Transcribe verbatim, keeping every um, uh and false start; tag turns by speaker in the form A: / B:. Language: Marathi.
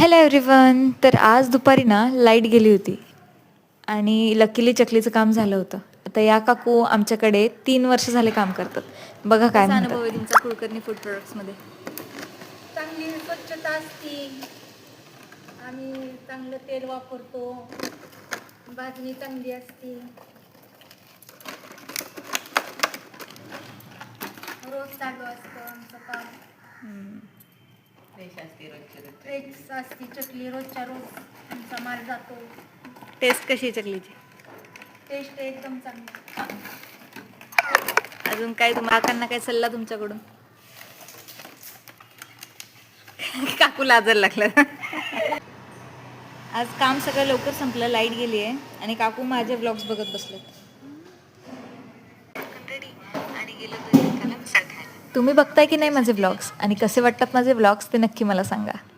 A: Hello everyone. तर आज दुपारी ना लाईट गेली होती आणि लकीली चकलीचं काम झालं होतं. आता या काकू आमच्याकडे तीन वर्ष झाले काम करतात. बघा काय
B: कसा
A: म्हणतात.
B: अनुभव आहे तुमचा कुलकर्णी फूड प्रोडक्ट्समध्ये?
C: चांगली स्वच्छता असते. आम्ही चांगलं तेल वापरतो. भाजणी चांगली असते. रोज चालू असतं आमचं काम. फ्रेश असते चकली. रोजच्या रोज आमचा माल जातो.
B: टेस्ट कशी आहे चकलीची?
C: टेस्ट एकदम चांगली.
B: अजून काय तुम्हाला काकांना काय सल्ला तुमच्याकडून? काकू लाजायला लागला. आज काम सगळं लवकर संपलं, लाईट गेली आहे आणि काकू माझे व्लॉग्स बघत बसलेत.
A: तुम्ही बघताय की नाही माझे व्लॉग्स आणि कसे वाटतात माझे व्लॉग्स ते नक्की मला सांगा.